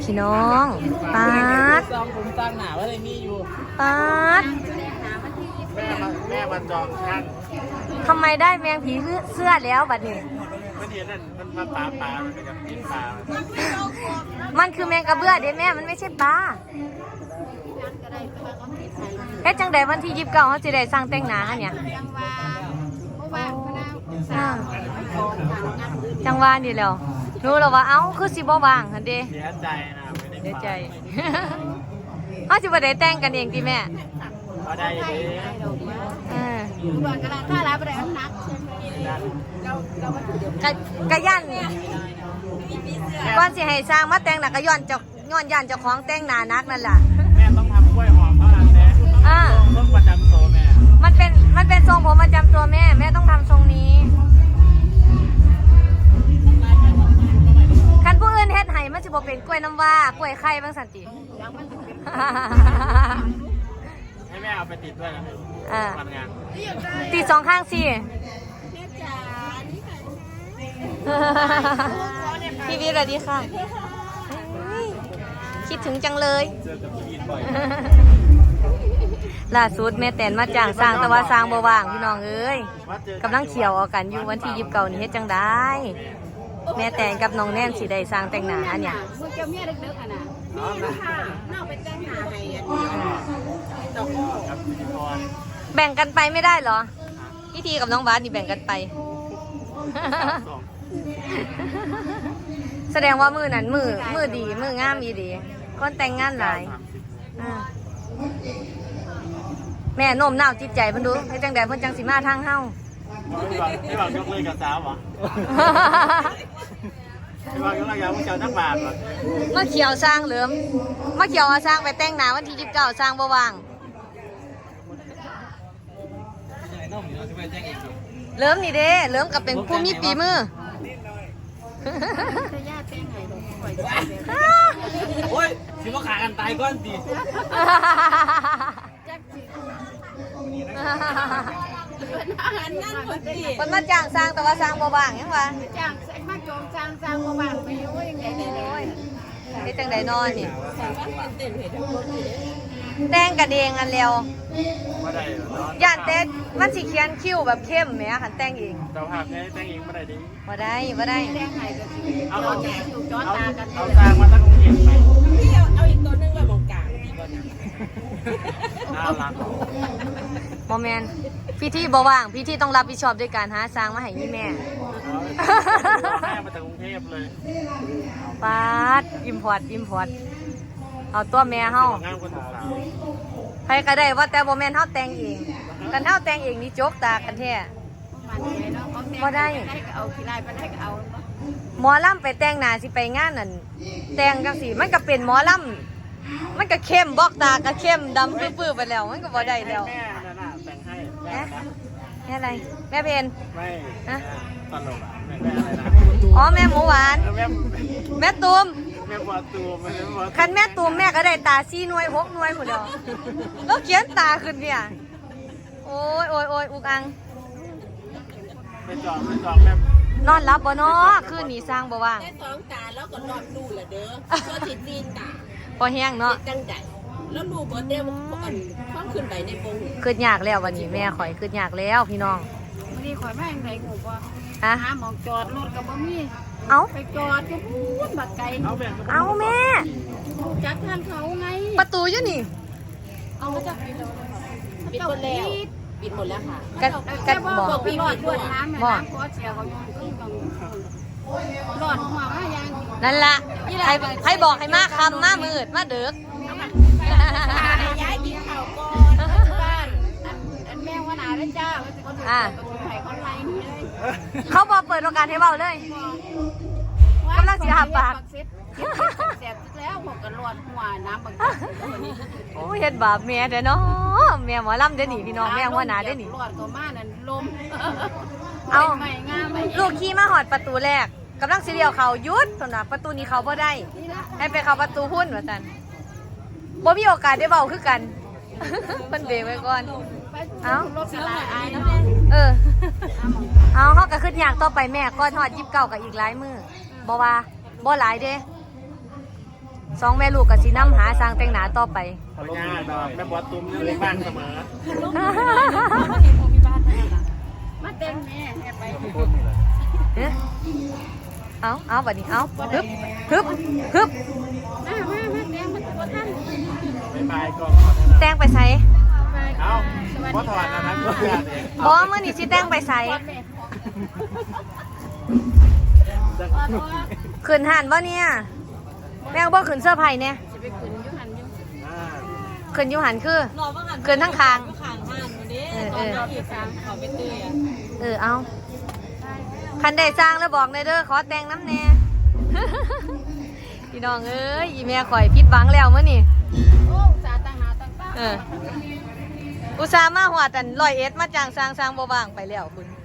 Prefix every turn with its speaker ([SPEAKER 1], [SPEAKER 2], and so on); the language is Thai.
[SPEAKER 1] พี่น้องป๊าด
[SPEAKER 2] จองผมจองหนาว่าอะไรมีอยู่
[SPEAKER 1] ป๊าด
[SPEAKER 2] แม่มาจองช่าง
[SPEAKER 1] ทำไมได้แมงผีเสื้อแล้วบัดนี้
[SPEAKER 2] มันเห็นนั่นมันมาปลามันเป็นกับกินปลา
[SPEAKER 1] มันคือแมงกระเบื้อเด้แม่มันไม่ใช่ปลาเฮ็ดจังใดวันที่29เขาสิได้สร้างแต่งหน้าเนี่ยจังว่านี่แล้วรู้แล้วว่าเอ้าคือสิบ่ว่างหั่นเด้
[SPEAKER 2] เสียใจนะไม่ได้
[SPEAKER 1] เสียใจ เฮาสิบ่ได้แต่งกันเองติแม่
[SPEAKER 2] ก็ได้เลย
[SPEAKER 1] กะย่านก่อนสิให้สร้างมาแต่งหน้าก็ย้อนย่านเจ้าของแต่งหน้านักนั่นล่ะ
[SPEAKER 2] แม่ต้องทำกล้วยหอมเท่านั้นแน่ต้องประจำโซแม่
[SPEAKER 1] มันเป็นทรงผมประจำตัวแม่ต้องทำทรงนี้คันผู้อื่นเฮ็ดให้มันสิบ่เป็นกล้วยน้ำว้ากล้วยไข่บางสันติ
[SPEAKER 2] ให้แม่เอาไปติดด้วยนะทำงาน
[SPEAKER 1] ตีสองข้างสิพี่วิสวัสดีค่ะคิดถึงจังเลย
[SPEAKER 2] เจอกับพี่บ่อย
[SPEAKER 1] ล่าสุดแม่แตนมาจ้างสร้างแต่ว่าสร้างบ่ว่างพี่น้องเอ้ยกำลังเขียวเอากันอยู่วันที่29นี่เฮ็ดจังได้แม่แตนกับน้องแน่นสิได้สร้างแต่งหน้าเนี่ย
[SPEAKER 3] เมื่อเจ้าเมียเด็กๆอ่ะนะมีค่ะน่าไปแต่งหน้าให้ดอกโม่
[SPEAKER 2] ครับพิธีกร
[SPEAKER 1] แบ่งกันไปไม่ได้เหรอพี่ทีกับน้องบาสนี่แบ่งกันไป
[SPEAKER 2] สอง
[SPEAKER 1] แสดงว่ามือนั้นมือดีมืองามอีดีคนแต่งงานหลายแม่โน้มน้าวจิตใจเพิ่นดูให้จังใดเพิ่นจังสิมาทางเฮา
[SPEAKER 2] ไม่บอกยกเลิกกับสาวเหรอไม่บอกยกเลิกกับผู้เจ้านักบาทเหรอ
[SPEAKER 1] มาเขียวสร้างเหลิมมาเขียวเอาสร้างไปแต่งหน้าวันที่29สร้างบ่ว่างเหลิมนี่เด้เหลิมก็เป็นผู้มีฝีมือ
[SPEAKER 3] จะญาติแต่งให้ดอกปล่อย
[SPEAKER 2] โอ้ยสิว่าขากันตายก้อนดี
[SPEAKER 3] จักสิอาหารนั่นคนดี
[SPEAKER 1] มันมาจ้างสร้างแต่ว่าสร้างบ่ว่างยังวะ
[SPEAKER 3] จ้างมาโจมจ้างมาบ้านไปอยู่ยังไงได้เลย
[SPEAKER 1] เฮ็ดจังไดนอนนี่
[SPEAKER 3] เต้นให้ทุกคนดี
[SPEAKER 1] แต่งกันเองอันแล้ว
[SPEAKER 2] ไม่ได้เหรอ
[SPEAKER 1] ย่านแต่มันสิเขียนคิ้วแบบเข้มแหมคันแต่งเอง
[SPEAKER 2] เจ้าภาพเนี่ยแต่งเองไม่ได้ดิ
[SPEAKER 1] บ่ได้
[SPEAKER 3] แต่งให้ก็สิเอาแก่อยู่จอตากัน
[SPEAKER 2] เอาสร้างมาตั้งองค์เห็นไหม
[SPEAKER 3] พี่เอาอีกตัวนึงไว้บงกลางดีกว่านะ
[SPEAKER 2] น่ารัก
[SPEAKER 1] บ่แม่นพี่ที่บ่ว่างพี่ที่ต้องรับผิดชอบด้วยการหาสร้างมาให้ยี่แม่
[SPEAKER 2] ให้มาจากกรุงเทพเลย
[SPEAKER 1] ปาดอิมพอร์ตเอาตัวแม่เฮาง
[SPEAKER 2] ามคนสาว
[SPEAKER 1] ใครก็ได้ว่าแต่บ่แม่นเฮาแต่งเองกันเฮาแต่งเองนี่จกตากันแท้
[SPEAKER 3] มันใจเนาะเขาแต่ง
[SPEAKER 1] บ่ได้
[SPEAKER 3] ก็เอาขี้ไล่ไปได้ก็เอา
[SPEAKER 1] หมอลำไปแต่งหน้าสิไปงานนั่นแต่งจังซี่มันก็เป็นหมอลำมันก็เข้มบอกตาก็เข้มดำปื้อๆไปแล้วมันก็บ่ได้แล้ว
[SPEAKER 2] แม่นั่นน่ะแต่งให้
[SPEAKER 1] แม่แม่อะไรแม่เพน
[SPEAKER 2] ไม่ตลกอ่ะแม่อะไรนะ
[SPEAKER 1] อ๋อแม่หมูหวาน
[SPEAKER 2] แม่
[SPEAKER 1] แม่ตูม
[SPEAKER 2] แม่ปวดตัวไม่ได้ปวด
[SPEAKER 1] คันแม่ตูมแม่ก็ได้ตา4 หน่วย6 หน่วยพุ่นเดียวแล้วเขียนตาขึ้นเนี่ยโอ้ยอุกอัง
[SPEAKER 2] ไปจองแม่
[SPEAKER 1] นอนรับบ่เนาะคืนนี้สร้างบ่ว่าง
[SPEAKER 3] แค่2 ตาแล้วก็รอดดูละเด้อก็สิตีนตา
[SPEAKER 1] พอแห้งเนาะ
[SPEAKER 3] จังไดแล้วดูบ่เด้ว่าความขึ้นไปในปง
[SPEAKER 1] คืดยากแล้ววันนี้แม่ข่อยคืดยากแล้วพี่น้อง
[SPEAKER 3] มื้อนี้ข่อยมาจังไดกูบ่
[SPEAKER 1] ฮะ
[SPEAKER 3] หาหมองจอดรถก็บ่มี
[SPEAKER 1] เอ้า
[SPEAKER 3] ไปจอดก็พูดบักไกล
[SPEAKER 2] เอาแบ่ง
[SPEAKER 1] เอาแม่
[SPEAKER 3] จักทางเขาไง
[SPEAKER 1] ประตูอยู่นี่
[SPEAKER 3] เอามาจากปิดหมดแล้วปิดหมดแล้วค่ะ
[SPEAKER 1] กันบอก
[SPEAKER 3] พี่รอดด้วยน้ำแม่น้ำขอเสียเขาอยู่ขึ้นตรงรอดหัวมายัง
[SPEAKER 1] นั่นล่ะใครบอกให้มาคำมามืดมาเดึก
[SPEAKER 3] ย้ายกินข้าวก่อนบ้านอันแม่ว่าหนาได้จ้าว่าจะคนดูไข่คนไรนี่เลย
[SPEAKER 1] เขาบอกเปิดโอกาสให้เบาเลยกำลังสิหาปาก
[SPEAKER 3] เสร็จแล้วหกกันรอดหัวน้ำบางที
[SPEAKER 1] โอ้ยเฮ็ดบาปแม่เด้อเนาะแม่หมอลำเด้อนี่พี่น้องแม่หัวหน้าเด้อนี่
[SPEAKER 3] รอดตัวมานั่นลม
[SPEAKER 1] เอา
[SPEAKER 3] ไม่งามไม่
[SPEAKER 1] ลูกขี่มาหอดประตูแรกกำลังสิเลี้ยวเขาหยุดสำหรับประตูนี้เขาบ่ได้ให้ไปเข้าประตูพุ่นว่าซั่นบ่มีโอกาสได้เว้าคือกัน เพิ่นเบรกไว้ก่อน เอ้า
[SPEAKER 3] รถกระลาอายเนาะ
[SPEAKER 1] เออเอาเฮาก็ขึ้นยากต่อไปแม่ก่อนฮอด29ก็อีกหลายมื้อบ่ว่าบ่หลายเด้ 2แม่ลูกก็สินำหาสร้างแต่งหน้าต่อไป
[SPEAKER 2] พญาดอกแม่บอสตุ้มยังเลี้ยงบ้านเสมอ
[SPEAKER 3] มาเต้นแม่แม่ไป
[SPEAKER 1] เอ๊ะเอาบัดนี้เอาฮึบฮึบฮึบ
[SPEAKER 3] มาเต้นมันตัวท่าน
[SPEAKER 2] บ๊ายบายก็
[SPEAKER 1] แต่งไปไส
[SPEAKER 2] เอาเพราะถอดนะก็เพื่อนเอง
[SPEAKER 1] บ่มื้อนี้สิแต่งไปไสขึ้นหันบ่เนี่ยแม่งบ่ขึ้นเสื้อไผ่เนี่ย
[SPEAKER 3] จะไปขึ้นยุหันยุ
[SPEAKER 1] ขึ้นอยู่หันคือขึ้นทั้งคาง
[SPEAKER 3] ข้างห้านวันนี้
[SPEAKER 1] เออ
[SPEAKER 3] ที่สามเขาไปเตื้อ
[SPEAKER 1] เอาคันได้สร้างแล้วบอกเลยเด้อขอแต่งน้ำแน่ พี่น้องเอ้ยอีแม่ข่อยผิดหวังแล้วมื้อนี้
[SPEAKER 3] โอ้สาตั้งหน้าตั้งตา
[SPEAKER 1] อุตส่าห์มาหวดอัน101มาจ้างสร้างบ่ว่างไปแล้วคุณ